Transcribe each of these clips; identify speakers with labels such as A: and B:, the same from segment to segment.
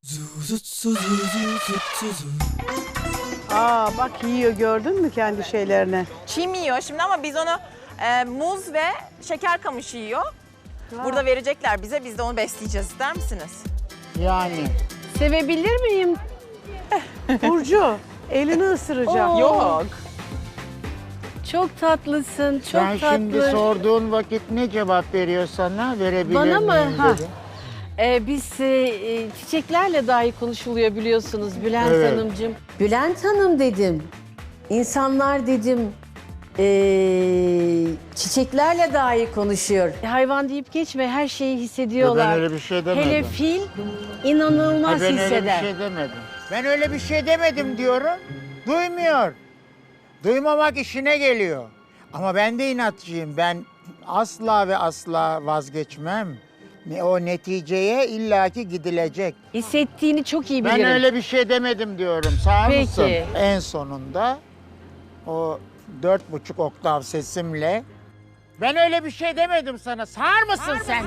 A: Aa bak yiyor gördün mü kendi şeylerini?
B: Çim yiyor şimdi ama biz onu muz ve şeker kamışı yiyor. Burada verecekler bize, biz de onu besleyeceğiz. İster misiniz?
C: Yani.
D: Sevebilir miyim?
A: Burcu elini ısıracağım.
D: Oo.
B: Yok.
D: Çok tatlısın, çok
C: Ben
D: tatlı.
C: şimdi sorduğun vakit ne cevap veriyor sana? Verebilir
D: Bana mı?
C: miyim
D: Ha.
C: dedi.
D: Biz çiçeklerle dahi konuşuluyor biliyorsunuz Bülent
C: Evet.
D: Hanımcığım.
E: Bülent Hanım dedim. İnsanlar dedim çiçeklerle dahi konuşuyor.
D: Hayvan deyip geçme, her şeyi hissediyorlar.
C: Ben öyle bir şey demedim.
D: Hele fil inanılmaz
C: Ben öyle bir
D: hisseder.
C: şey demedim. Ben öyle bir şey demedim diyorum. Duymuyor. Duymamak işine geliyor. Ama ben de inatçıyım. Ben asla ve asla vazgeçmem. O neticeye illaki gidilecek.
D: Hissettiğini çok iyi bilirim.
C: Ben öyle bir şey demedim diyorum. Sağ
D: Peki.
C: mısın? En sonunda o 4,5 oktav sesimle ben öyle bir şey demedim sana. Sağır mısın sen?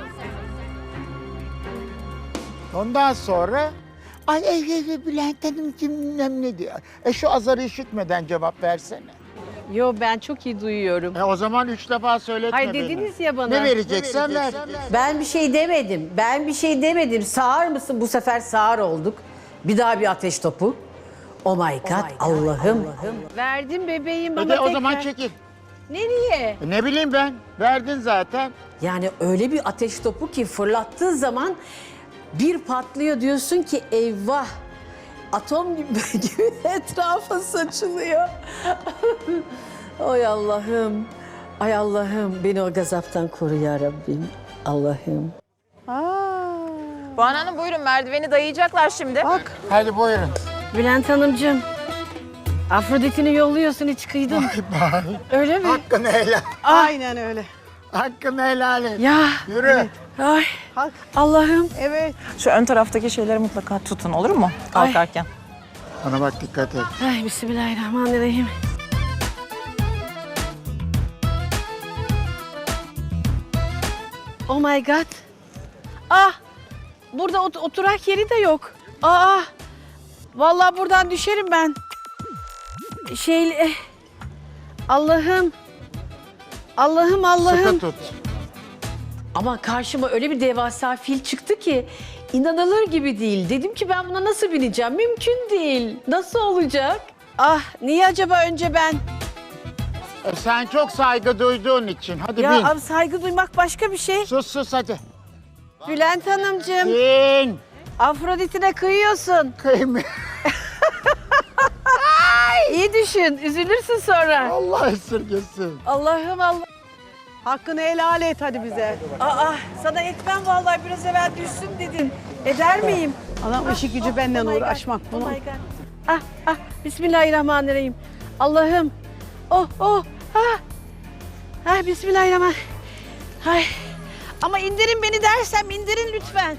C: Ondan sonra ay Bülent Hanımcığım bilmem ne diyor. Şu azarı işitmeden cevap versene.
D: Yo, ben çok iyi duyuyorum.
C: O zaman 3 defa söyletme
D: Hayır
C: beni.
D: dediniz ya bana.
C: Ne vereceksen ver.
E: Ben bir şey demedim. Ben bir şey demedim. Sağır mısın? Bu sefer sağır olduk. Bir daha bir ateş topu. Oh my God, Allah'ım.
D: Verdim bebeğim bana
C: Hadi o
D: tekrar.
C: zaman çekil.
D: Nereye?
C: Ne bileyim ben. Verdin zaten.
E: Yani öyle bir ateş topu ki fırlattığı zaman bir patlıyor diyorsun ki eyvah. Atom gibi etrafa saçılıyor. Ay Allah'ım. Ay Allah'ım beni o gazaptan koru ya Rabbim. Allah'ım.
B: Banu Hanım buyurun, merdiveni dayayacaklar şimdi.
A: Bak
C: Hadi buyurun.
D: Bülent Hanımcığım, Afrodit'ini yolluyorsun, hiç kıydın. Öyle mi?
C: Hakkını helal.
A: aynen öyle.
C: Hakkını helal et.
D: Ya,
C: Yürü.
D: ay
A: Hak
D: Allah'ım.
A: evet.
B: Şu ön taraftaki şeyleri mutlaka tutun, olur mu? Kalkarken.
C: Bana bak dikkat et.
D: Ay bismillahirrahmanirrahim. Oh my God. Ah, burada oturak yeri de yok. Aa, vallahi buradan düşerim ben. Allah'ım. Allah'ım, Allah'ım.
C: Sıkı tut.
E: Ama karşıma öyle bir devasa fil çıktı ki inanılır gibi değil. Dedim ki ben buna nasıl bineceğim? Mümkün değil. Nasıl olacak?
D: Ah, niye acaba önce ben?
C: Sen çok saygı duyduğun için. Hadi
D: Ya
C: bin.
D: abi, saygı duymak başka bir şey.
C: Sus hadi.
D: Bülent Hanımcığım,
C: Bin.
D: Afrodit'ine kıyıyorsun.
C: Kıyım.
D: İyi düşün, üzülürsün sonra.
C: Allah esirgesin.
D: Allah'ım Allah.
A: Hakkını helal et hadi bize.
D: Aa, sana etmem vallahi, biraz evvel düşsün dedin. Eder miyim?
A: Adam işi gücü benden
D: Oh my God,
A: uğraşmak
D: oh
A: bunun.
D: my God. Ah, bismillahirrahmanirrahim. Allah'ım. Bismillahirrahmanirrahim. Ay. Ama indirin beni dersem indirin lütfen.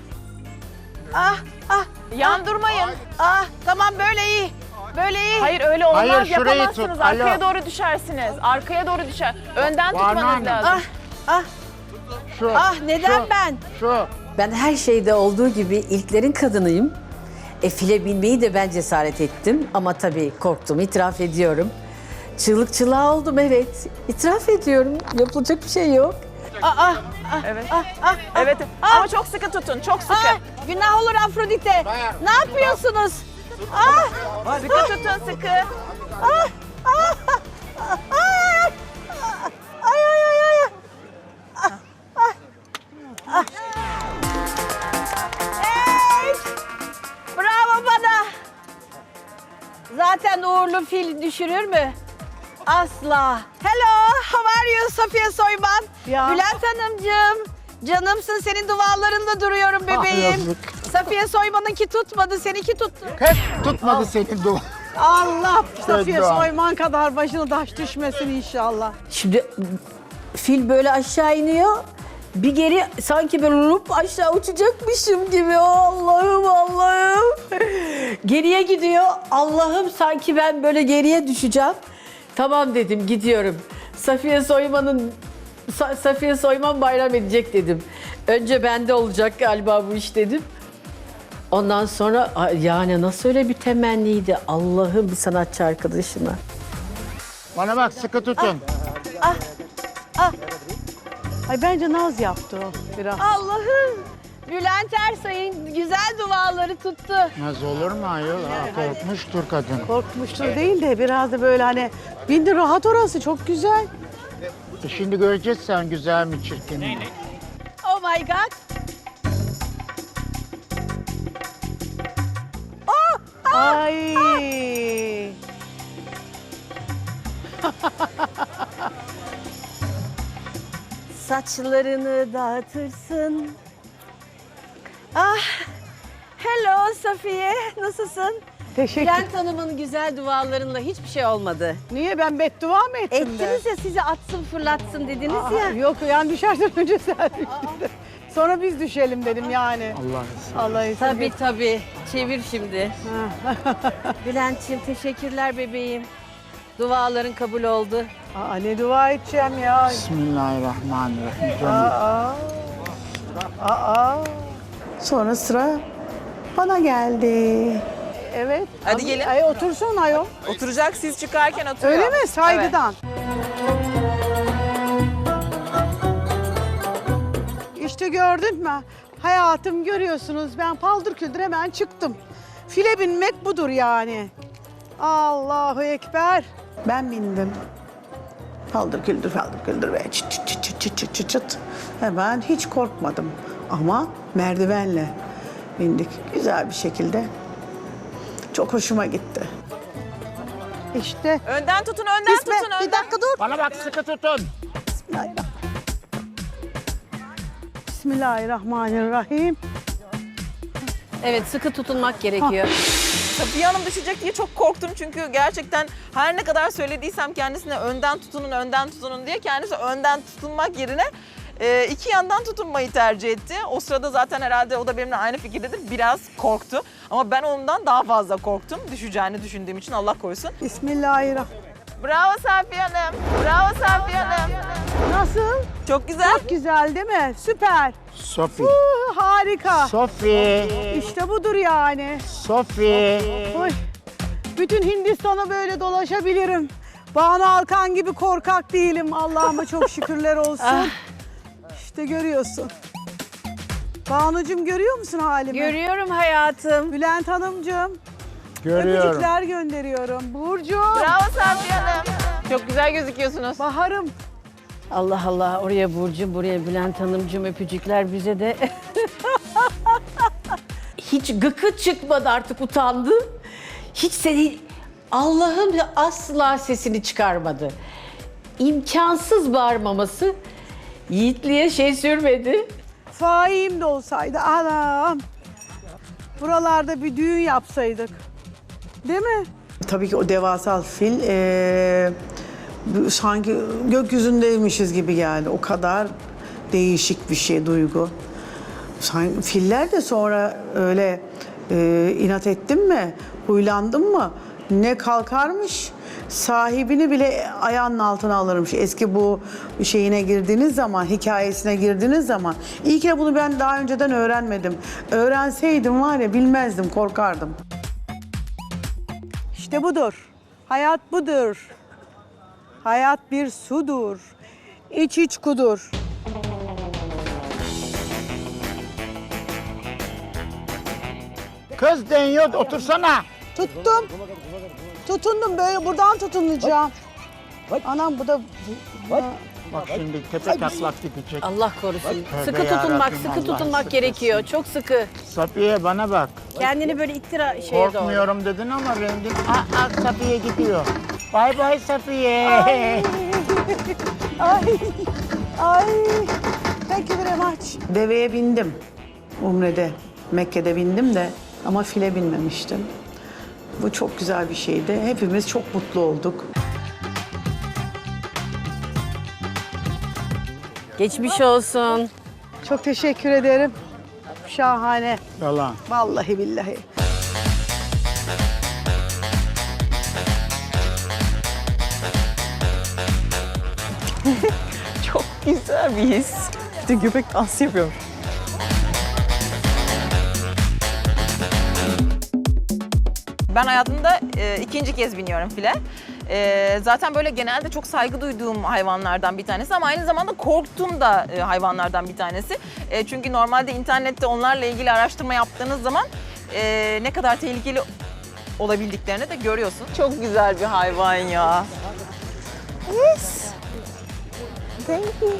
B: Yandırmayın.
D: Tamam, böyle iyi. Böyle iyi.
B: Hayır öyle olmaz,
C: Hayır, şurayı
B: yapamazsınız.
C: tut,
B: Arkaya
C: alo.
B: doğru düşersiniz. Arkaya doğru düşer. Önden
C: Banu
B: tutmanız
C: Hanım.
B: lazım.
C: Şu.
D: Neden
C: şu,
D: ben?
C: Şu.
E: Ben her şeyde olduğu gibi ilklerin kadınıyım. File binmeyi de ben cesaret ettim. Ama tabii korktum, itiraf ediyorum. Çığlık çığlığa oldum, evet. İtiraf ediyorum. Yapılacak bir şey yok.
B: Evet. Evet. Ama çok sıkı tutun. Çok sıkı.
D: Günah olur Afrodite. Ne yapıyorsunuz?
B: Sıkı tutun, sıkı.
D: Bravo bana. Zaten uğurlu fil düşürür mü? Asla. Hello, how are you Safiye Soyman?
A: Ya.
D: Bülent Hanımcığım, canımsın, senin dualarında duruyorum bebeğim.
C: yazık.
D: Safiye Soyman'ınki tutmadı, seninki tuttu.
C: Hep tutmadı senin dua.
A: Allah Safiye
C: dua.
A: Soyman kadar başına taş düşmesin inşallah.
E: Şimdi fil böyle aşağı iniyor. Bir geri sanki böyle lup aşağı uçacakmışım gibi. Allah'ım Allah'ım. Geriye gidiyor. Allah'ım sanki ben böyle geriye düşeceğim. Tamam dedim, gidiyorum. Safiye Soyman bayram edecek dedim. Önce bende olacak galiba bu iş dedim. Ondan sonra yani nasıl öyle bir temenniydi Allah'ım bir sanatçı arkadaşına.
C: Bana bak sıkı tutun.
A: Ay bence naz yaptı o biraz.
D: Allah'ım. Bülent Ersoy'un güzel duaları tuttu.
C: Naz olur mu ayol? Korkmuştur kadın.
A: Korkmuştur değil de biraz da böyle hani bindi rahat orası çok güzel.
C: Şimdi göreceğiz sen güzel mi çirkin mi?
D: Oh my God.
A: Ay.
D: Saçlarını dağıtırsın. Ah. Hello Safiye. Nasılsın?
A: Teşekkür.
D: Bülent Hanım'ın güzel dualarınla hiçbir şey olmadı.
A: Niye ben beddua mı ettim de?
D: Ettiniz ya sizi atsın fırlatsın dediniz
A: Aa,
D: ya.
A: yok yani düşerden önce sen düştün. Sonra biz düşelim dedim yani. Allah izin
D: Tabii tabii. Çevir şimdi. Bülent'ciğim teşekkürler bebeğim. Duaların kabul oldu.
A: Aa, ne dua edeceğim ya.
C: Bismillahirrahmanirrahim. Canım.
A: Aa. Sonra sıra bana geldi. Evet.
B: Hadi gelin.
A: Ay otursun ayol.
B: Oturacak, siz çıkarken oturuyor.
A: Öyle mi? Saygıdan. İşte gördün mü? Hayatım görüyorsunuz. Ben paldır küldür hemen çıktım. File binmek budur yani. Allahu Ekber. Ben bindim. Paldır küldür ve çıt çıt çıt çıt çıt çıt çıt çıt. Hemen hiç korkmadım. Ama merdivenle bindik. Güzel bir şekilde. Çok hoşuma gitti. İşte.
B: Önden tutun, önden tutun, önden.
A: Bir dakika dur.
C: Bana bak sıkı tutun.
A: Bismillahirrahmanirrahim.
D: Evet sıkı tutunmak gerekiyor.
B: Safiye Hanım düşecek diye çok korktum çünkü gerçekten her ne kadar söylediysem kendisine önden tutunun diye kendisi önden tutunmak yerine iki yandan tutunmayı tercih etti. O sırada zaten herhalde o da benimle aynı fikirdedir. Biraz korktu ama ben ondan daha fazla korktum. Düşeceğini düşündüğüm için Allah korusun.
A: Bismillahirrahmanirrahim.
B: Bravo Safiye Hanım. Bravo Safiye Hanım.
A: Nasıl?
B: Çok güzel.
A: Çok güzel değil mi? Süper.
C: Sofi.
A: Harika.
C: Sofi.
A: İşte budur yani.
C: Sofi.
A: Oy. Bütün Hindistan'a böyle dolaşabilirim. Banu Alkan gibi korkak değilim. Allah'ıma çok şükürler olsun. İşte görüyorsun. Banucuğum görüyor musun halimi?
D: Görüyorum hayatım.
A: Bülent Hanımcığım.
C: Görüyorum.
A: Öpücükler gönderiyorum. Burcu.
B: Bravo Safiye Hanım. Çok güzel gözüküyorsunuz.
A: Baharım.
D: Allah Allah oraya Burcu buraya Bülent Hanımcığım öpücükler bize de.
E: Hiç gıkı çıkmadı artık utandı. Hiç seni Allah'ım asla sesini çıkarmadı. İmkansız bağırmaması Yiğitliğe şey sürmedi.
A: Faim de olsaydı anam. Buralarda bir düğün yapsaydık. Değil mi? Tabii ki o devasal fil sanki gökyüzündeymişiz gibi geldi. O kadar değişik bir şey duygu. Sanki filler de sonra öyle inat ettin mi, huylandın mı ne kalkarmış. Sahibini bile ayağının altına alırmış. Eski bu şeyine girdiğiniz zaman, hikayesine girdiğiniz zaman. İyi ki bunu ben daha önceden öğrenmedim. Öğrenseydim var ya bilmezdim, korkardım. İşte budur. Hayat budur. Hayat bir sudur. İç iç kudur.
C: Kız deniyor otursana.
A: Tuttum. Tutundum böyle buradan tutunacağım. Anam bu da...
C: Bak şimdi tepe taklak gidecek.
D: Allah korusun.
C: Tövbe
D: Sıkı
C: yarabbim,
D: tutunmak,
C: Allah
D: sıkı tutunmak
C: sıkı
D: gerekiyor. Çok sıkı.
C: Safiye bana bak.
D: Kendini böyle ittira şeye doğru.
C: Korkmuyorum dedin ama rengin Safiye gidiyor. Bay bay Safiye.
A: Ay. Ay. Thank you very much. Deveye bindim. Umre'de, Mekke'de bindim de ama file binmemiştim. Bu çok güzel bir şeydi. Hepimiz çok mutlu olduk.
D: Geçmiş olsun.
A: Çok teşekkür ederim. Şahane.
C: Yalan.
A: Vallahi billahi.
B: Çok güzel bir his. Bir de göbek dansı yapıyorum. Ben hayatımda ikinci kez biniyorum file. Zaten böyle genelde çok saygı duyduğum hayvanlardan bir tanesi ama aynı zamanda korktuğum da hayvanlardan bir tanesi. Çünkü normalde internette onlarla ilgili araştırma yaptığınız zaman ne kadar tehlikeli olabildiklerini de görüyorsun. Çok güzel bir hayvan ya. Yes. Thank you.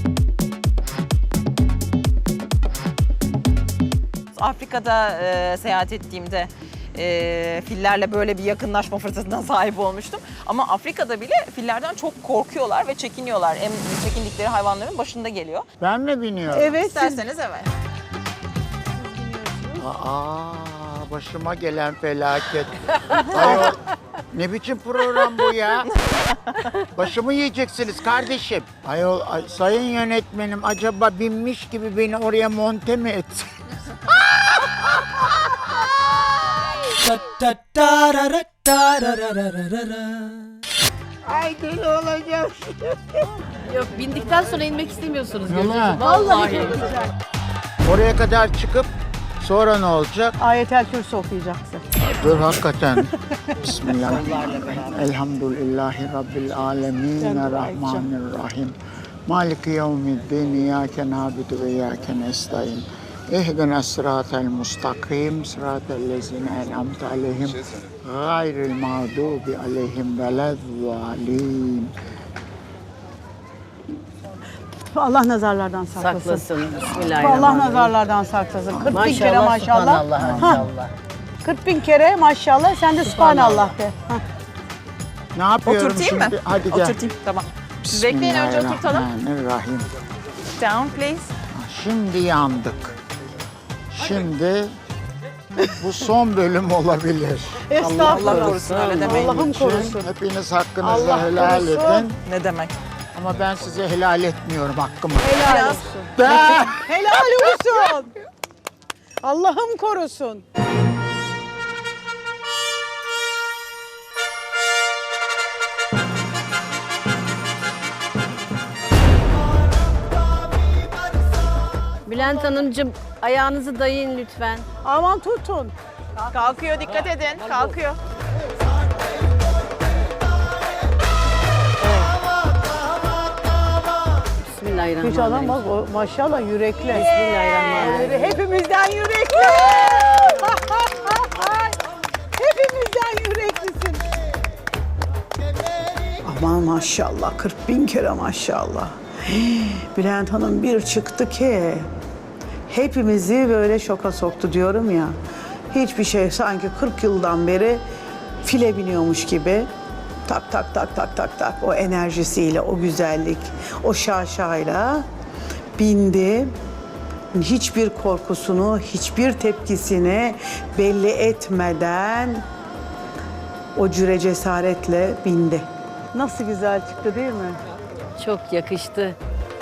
B: Afrika'da seyahat ettiğimde fillerle böyle bir yakınlaşma fırsatına sahip olmuştum. Ama Afrika'da bile fillerden çok korkuyorlar ve çekiniyorlar. En çekindikleri hayvanların başında geliyor.
C: Ben mi biniyorum?
A: Evet.
B: İsterseniz evet.
C: Aa, başıma gelen felaket. Ayol, ne biçim program bu ya? Başımı yiyeceksiniz kardeşim. Ayol, sayın yönetmenim acaba binmiş gibi beni oraya monte mi etsin? Ay deli olacağım.
E: Yok bindikten sonra inmek istemiyorsunuz.
C: Yalan.
E: Vallahi.
C: Oraya kadar çıkıp sonra ne olacak?
A: Ayetel Kürsü okuyacaksın.
C: Dur hakikaten. Bismillahirrahmanirrahim. Elhamdülillahi Rabbil alemin. Rahmanirrahim. Maliki yevmiddin. İyyâke nâbidu ve iyyâke nestaîn. İhdina sıratel mustakim. Sıratel lezine en'amte aleyhim. Gayril mağdubi aleyhim velezzalin.
A: Allah nazarlardan saklasın.
E: Saklasın.
A: Allah
E: Bismillahirrahmanirrahim.
A: nazarlardan saklasın. 40 bin kere maşallah.
E: Subhanallah,
A: Ha,
E: maşallah.
A: 40 bin kere maşallah. Sen de subhanallah de. Ha.
C: Ne yapıyorum
B: Oturtayım mı?
C: şimdi? Hadi gel.
B: Oturtayım. Tamam. Siz bekleyin önce oturtalım.
C: Bismillahirrahmanirrahim.
B: Down please.
C: Şimdi yandık. Şimdi bu son bölüm olabilir.
A: Estağfurullah.
B: Allah korusun öyle demeyin.
A: Allah'ım korusun.
C: Hepiniz hakkınızı
A: Allah
C: helal
A: korusun.
C: edin.
B: Ne demek?
C: Ama ben size helal etmiyorum hakkımı.
A: Helal
B: Biraz-
A: olsun.
C: Ben...
A: Helal olsun. Allah'ım korusun.
E: Bülent Hanımcığım ayağınızı dayayın lütfen.
A: Aman tutun.
B: Kalkıyor, dikkat edin. Kalkıyor.
A: Hiç adam
E: Bismillahirrahmanirrahim.
A: bak o maşallah yürekli.
E: Bismillahirrahmanirrahim.
A: Hepimizden yürekli. Hepimizden yüreklisin. Aman maşallah 40 bin kere maşallah. Bülent Hanım bir çıktı ki hepimizi böyle şoka soktu diyorum ya. Hiçbir şey sanki 40 yıldan beri file biniyormuş gibi. Tak tak tak tak tak tak o enerjisiyle, o güzellik, o şaşayla bindi. Hiçbir korkusunu, hiçbir tepkisini belli etmeden o cüre cesaretle bindi. Nasıl güzel çıktı değil mi?
E: Çok yakıştı.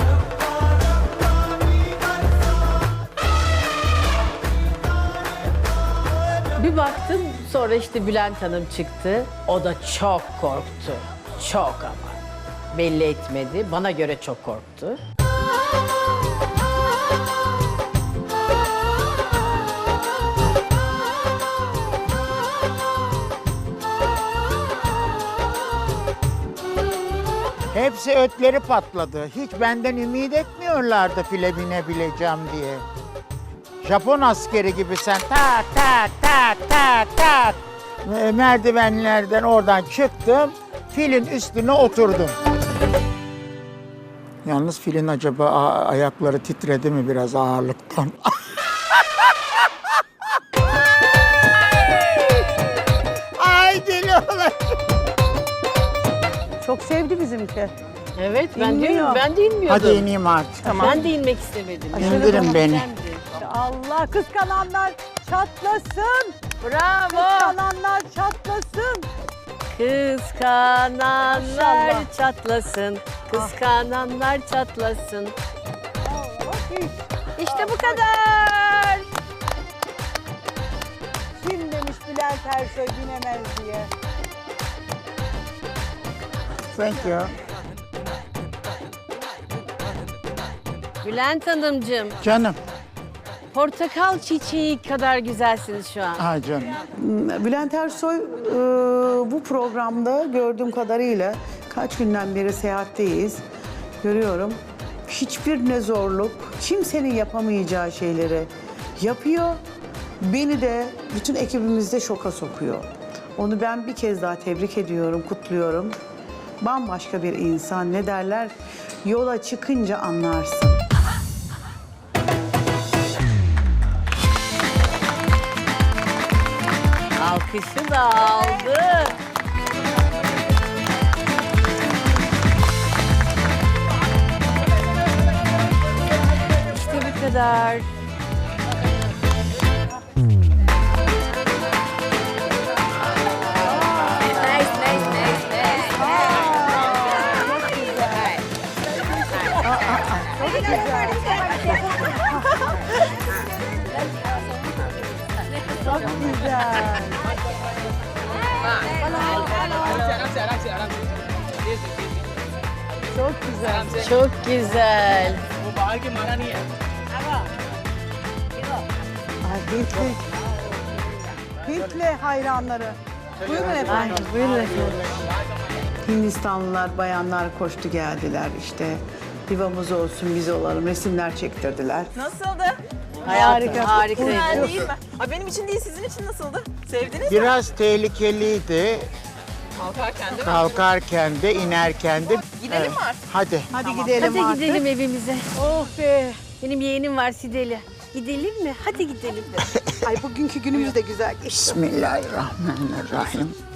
E: Bir baktım sonra işte Bülent Hanım çıktı. O da çok korktu. Çok ama. Belli etmedi. Bana göre çok korktu.
C: Hepsi ötleri patladı. Hiç benden ümit etmiyorlardı file binebileceğim diye. Japon askeri gibi sen tak tak tak tak tak merdivenlerden oradan çıktım. Filin üstüne oturdum. Yalnız filin acaba ayakları titredi mi biraz ağırlıktan? Ay deli olacağım.
A: Çok sevdi bizimki.
E: Evet ben
A: İnmiyor.
E: de, ben de inmiyordum.
C: Hadi ineyim artık.
E: Ben de inmek istemedim.
C: İndirin beni.
A: Allah kıskananlar çatlasın.
E: Bravo.
A: Kıskananlar çatlasın.
E: Kıskananlar
A: Maşallah.
E: çatlasın. Kıskananlar çatlasın. İşte bu kadar.
A: Kim demiş Bülent Ersoy binemez diye.
C: Thank you.
E: Bülent Hanımcığım,
C: Canım.
D: portakal çiçeği kadar güzelsiniz şu an.
C: Ay canım.
A: Bülent Ersoy bu programda gördüğüm kadarıyla kaç günden beri seyahatteyiz. Görüyorum. Hiçbir ne zorluk, kimsenin yapamayacağı şeyleri yapıyor. Beni de bütün ekibimizde şoka sokuyor. Onu ben bir kez daha tebrik ediyorum, kutluyorum. Bambaşka bir insan. Ne derler? Yola çıkınca anlarsın.
D: Alkışı da aldı. İşte bu kadar.
A: Çok güzel. Çok güzel.
D: Çok güzel.
A: Ay, Hintli. Hintli hayranları. Buyurun
D: Ay,
A: efendim.
D: buyurun efendim.
A: Hindistanlılar, bayanlar koştu geldiler işte. Divamız olsun, biz olalım. Resimler çektirdiler.
B: Nasıldı?
D: Hayatım
A: Harika.
B: Güzel
D: harikaydı.
B: değil mi? Ay, benim için değil, sizin için nasıldı? Sevdiniz mi?
C: Biraz tehlikeliydi.
B: Kalkarken değil mi?
C: Kalkarken de inerken de.
B: Gidelim mi artık?
C: Hadi.
A: Hadi gidelim
D: Hadi
A: artık.
D: gidelim evimize.
A: Oh be.
D: Benim yeğenim var Sideli. Gidelim mi? Hadi gidelim.
A: Ay bugünkü günümüz de güzel geçti.
C: Bismillahirrahmanirrahim.